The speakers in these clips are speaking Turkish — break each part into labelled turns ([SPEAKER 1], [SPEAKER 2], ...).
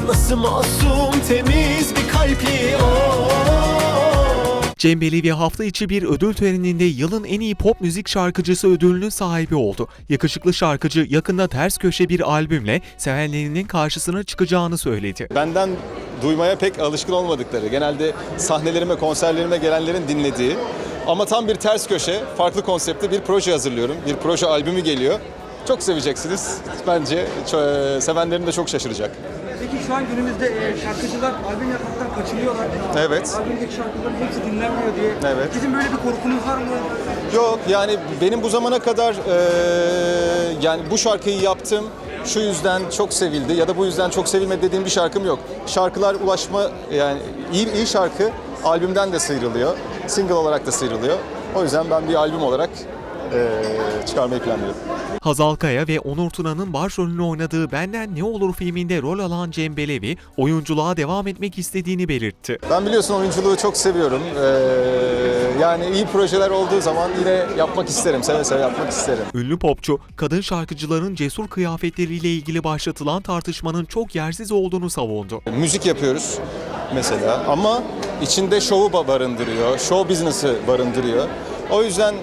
[SPEAKER 1] Nasıl masum temiz bir kalpli o.
[SPEAKER 2] Cem Belevi hafta içi bir ödül töreninde yılın en iyi pop müzik şarkıcısı ödülünün sahibi oldu. Yakışıklı şarkıcı yakında ters köşe bir albümle sevenlerinin karşısına çıkacağını söyledi.
[SPEAKER 3] Benden duymaya pek alışkın olmadıkları, genelde sahnelerime, konserlerime gelenlerin dinlediği ama tam bir ters köşe, farklı konsepte bir proje hazırlıyorum. Bir proje albümü geliyor. Çok seveceksiniz. Bence sevenlerim de çok şaşıracak.
[SPEAKER 4] Peki şu an günümüzde şarkıcılar albüm yapmaktan kaçınıyorlar.
[SPEAKER 3] Evet.
[SPEAKER 4] Albümdeki şarkıların hepsi dinlenmiyor diye.
[SPEAKER 3] Evet.
[SPEAKER 4] Sizin böyle bir korkunuz var mı?
[SPEAKER 3] Yok, yani benim bu zamana kadar yani bu şarkıyı yaptım, şu yüzden çok sevildi ya da bu yüzden çok sevilmedi dediğim bir şarkım yok. Şarkılar ulaşma, yani iyi şarkı albümden de sıyrılıyor, single olarak da sıyrılıyor. O yüzden ben bir albüm olarak çıkarmayı planlıyorum.
[SPEAKER 2] Hazal Kaya ve Onur Tuna'nın başrolünü oynadığı Benden Ne Olur filminde rol alan Cem Belevi, oyunculuğa devam etmek istediğini belirtti.
[SPEAKER 3] Ben biliyorsun oyunculuğu çok seviyorum. Yani iyi projeler olduğu zaman yine yapmak isterim, seve seve yapmak isterim.
[SPEAKER 2] Ünlü popçu, kadın şarkıcıların cesur kıyafetleriyle ilgili başlatılan tartışmanın çok yersiz olduğunu savundu.
[SPEAKER 3] Müzik yapıyoruz mesela ama içinde şovu barındırıyor, show business'ı barındırıyor. O yüzden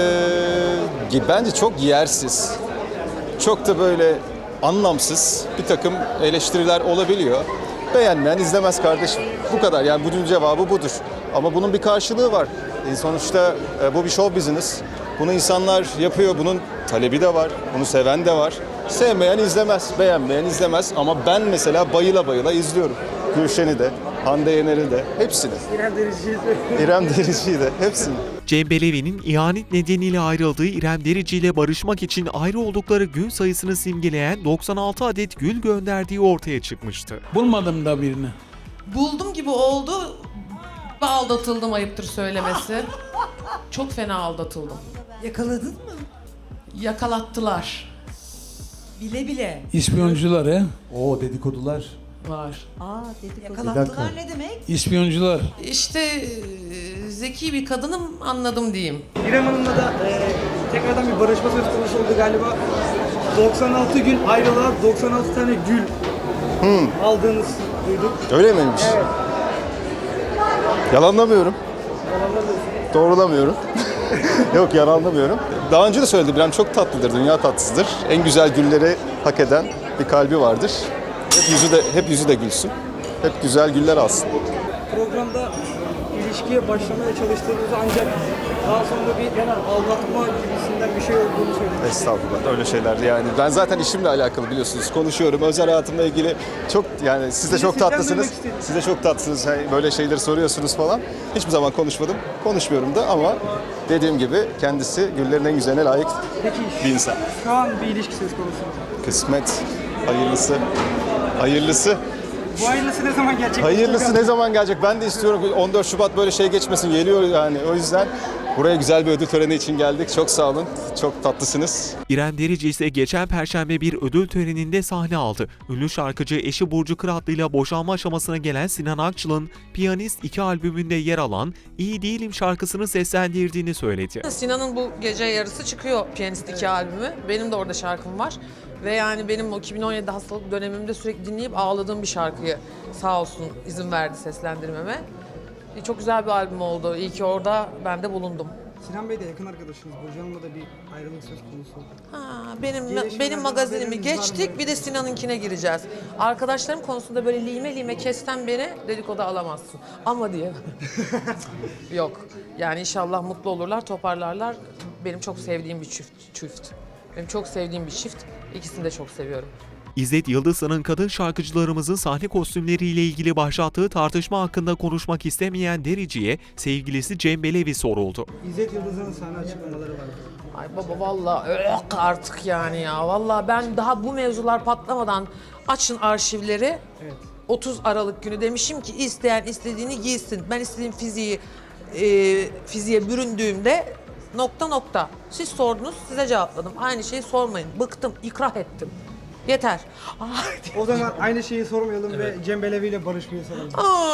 [SPEAKER 3] bence çok yersiz, çok da böyle anlamsız bir takım eleştiriler olabiliyor. Beğenmeyen izlemez kardeşim. Bu kadar, yani bunun cevabı budur. Ama bunun bir karşılığı var. Sonuçta bu bir show business. Bunu insanlar yapıyor, bunun talebi de var, bunu seven de var. Sevmeyen izlemez, beğenmeyen izlemez ama ben mesela bayıla bayıla izliyorum. Gülşen'i de, Hande Yener'i de, hepsini. İrem Derici'yi de, hepsini.
[SPEAKER 2] Cem Belevi'nin ihanet nedeniyle ayrıldığı İrem Derici ile barışmak için ayrı oldukları gün sayısını simgeleyen 96 adet gül gönderdiği ortaya çıkmıştı.
[SPEAKER 5] Bulmadım da birini.
[SPEAKER 6] Buldum gibi oldu. Aldatıldım, ayıptır söylemesi. Çok fena aldatıldım.
[SPEAKER 7] Yakaladın mı?
[SPEAKER 6] Yakalattılar.
[SPEAKER 7] Bile bile.
[SPEAKER 5] İspiyoncular he?
[SPEAKER 8] Oo, dedikodular.
[SPEAKER 6] Var.
[SPEAKER 7] Yakalattılar ne demek?
[SPEAKER 5] İspiyoncular.
[SPEAKER 6] İşte zeki bir kadınım, anladım diyeyim.
[SPEAKER 4] İrem Hanım'la da tekrardan bir barışma söz konusu oldu galiba. 96 gün ayrılığa 96 tane gül aldığınız duyduk.
[SPEAKER 3] Öyle miymiş?
[SPEAKER 4] Evet.
[SPEAKER 3] Yalanlamıyorum. Doğrulamıyorum. Yok, yalanlamıyorum. Daha önce de söyledim, İrem çok tatlıdır, dünya tatlısıdır. En güzel gülleri hak eden bir kalbi vardır. Hep yüzü de gülsün. Hep güzel güller alsın.
[SPEAKER 4] Programda ilişkiye başlamaya çalıştığınızı ancak daha sonra bir aldatma gibisinden bir şey olduğunu söylediniz.
[SPEAKER 3] Estağfurullah, öyle şeyler yani. Ben zaten işimle alakalı biliyorsunuz, konuşuyorum. Özel hayatımla ilgili çok, yani siz de çok tatlısınız. Siz de çok tatlısınız, böyle şeyleri soruyorsunuz falan. Hiçbir zaman konuşmadım, konuşmuyorum da ama dediğim gibi kendisi güllerin en güzeline layık bir insan.
[SPEAKER 4] Şu an bir ilişki söz konusu.
[SPEAKER 3] Kısmet, hayırlısı, hayırlısı.
[SPEAKER 4] Bu hayırlısı ne zaman gerçekleşecek?
[SPEAKER 3] Hayırlısı ne zaman gelecek? Ben de istiyorum. 14 Şubat böyle şey geçmesin. Geliyor yani. O yüzden buraya güzel bir ödül töreni için geldik. Çok sağ olun. Çok tatlısınız.
[SPEAKER 2] İrem Derici ise geçen Perşembe bir ödül töreninde sahne aldı. Ünlü şarkıcı eşi Burcu Kıratlı ile boşanma aşamasına gelen Sinan Akçıl'ın Piyanist 2 albümünde yer alan İyi Değilim şarkısını seslendirdiğini söyledi.
[SPEAKER 6] Sinan'ın bu gece yarısı çıkıyor Piyanist 2 albümü. Benim de orada şarkım var. Ve yani benim o 2017 hastalık dönemimde sürekli dinleyip ağladığım bir şarkıyı sağ olsun izin verdi seslendirmeme. Çok güzel bir albüm oldu. İyi ki orada ben de bulundum.
[SPEAKER 4] Sinan Bey de yakın arkadaşınız. Burcu Hanım'la da bir ayrılık söz konusu.
[SPEAKER 6] Benim magazinimi geçtik, bir de Sinan'ınkine gireceğiz. Arkadaşlarım konusunda böyle lime lime kesten beni dedikodu alamazsın. Ama diye. Yok. Yani inşallah mutlu olurlar, toparlarlar. Benim çok sevdiğim bir çift. Benim çok sevdiğim bir çift. İkisini de çok seviyorum.
[SPEAKER 2] İzzet Yıldızhan'ın kadın şarkıcılarımızın sahne kostümleriyle ilgili başlattığı tartışma hakkında konuşmak istemeyen Derici'ye sevgilisi Cem Belevi soruldu.
[SPEAKER 4] İzzet Yıldız'ın sahne açıklamaları var.
[SPEAKER 6] Ay baba vallahi artık yani ya. Vallahi ben daha bu mevzular patlamadan açın arşivleri.
[SPEAKER 4] Evet.
[SPEAKER 6] 30 Aralık günü demişim ki isteyen istediğini giysin. Ben istediğim fiziğe büründüğümde nokta. Siz sordunuz, size cevapladım. Aynı şeyi sormayın. Bıktım, ikrah ettim. Yeter.
[SPEAKER 4] O zaman aynı şeyi sormayalım ve Cem Belevi ile barışmayı soralım.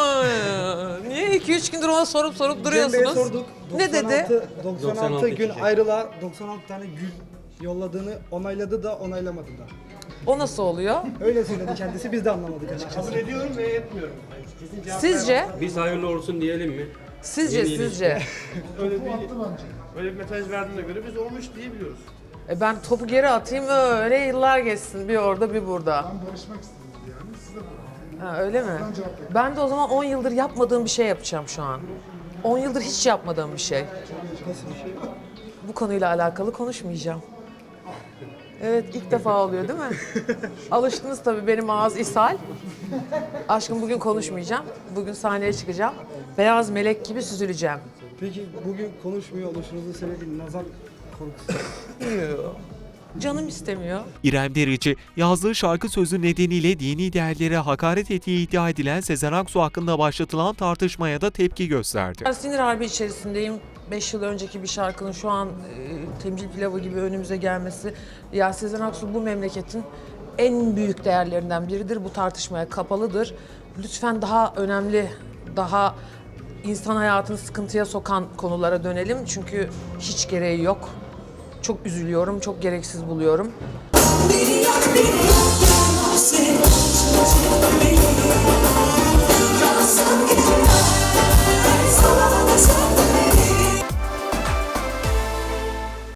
[SPEAKER 6] Niye 2-3 gündür ona sorup
[SPEAKER 4] Cem
[SPEAKER 6] duruyorsunuz?
[SPEAKER 4] Bey'e sorduk.
[SPEAKER 6] Ne dedi?
[SPEAKER 4] 96 gün ayrılığa 96 tane gül yolladığını onayladı da onaylamadı da.
[SPEAKER 6] O nasıl oluyor?
[SPEAKER 4] Öyle söyledi kendisi, biz de anlamadık açıkçası.
[SPEAKER 8] Kabul ediyorum ve etmiyorum. Kesin cevap
[SPEAKER 6] Sizce?
[SPEAKER 9] Biz hayırlı olsun diyelim mi?
[SPEAKER 6] Sizce?
[SPEAKER 8] öyle bir mesaj verdiğine göre biz olmuş diyebiliyoruz.
[SPEAKER 6] Ben topu geri atayım öyle yıllar geçsin. Bir orada bir burada.
[SPEAKER 10] Ben barışmak istedim yani. Siz de barışın.
[SPEAKER 6] Ha, öyle mi? Ben de o zaman 10 yıldır yapmadığım bir şey yapacağım şu an. 10 yıldır hiç yapmadığım bir şey.
[SPEAKER 4] Nasıl bir şey?
[SPEAKER 6] Bu konuyla alakalı konuşmayacağım. Evet, ilk defa oluyor değil mi? Alıştınız tabii, benim ağız ishal. Aşkım bugün konuşmayacağım. Bugün sahneye çıkacağım. Beyaz melek gibi süzüleceğim.
[SPEAKER 4] Peki bugün konuşmuyor oluşunuzun sebebi nazar korkusu.
[SPEAKER 6] Canım istemiyor.
[SPEAKER 2] İrem Derici, yazdığı şarkı sözü nedeniyle dini değerlere hakaret ettiği iddia edilen Sezen Aksu hakkında başlatılan tartışmaya da tepki gösterdi.
[SPEAKER 6] Ben sinir harbi içerisindeyim. 5 yıl önceki bir şarkının şu an temcil pilavı gibi önümüze gelmesi. Ya Sezen Aksu bu memleketin en büyük değerlerinden biridir. Bu tartışmaya kapalıdır. Lütfen daha önemli, daha insan hayatını sıkıntıya sokan konulara dönelim. Çünkü hiç gereği yok. Çok üzülüyorum, çok gereksiz buluyorum.
[SPEAKER 11] Beni yak, beni yak,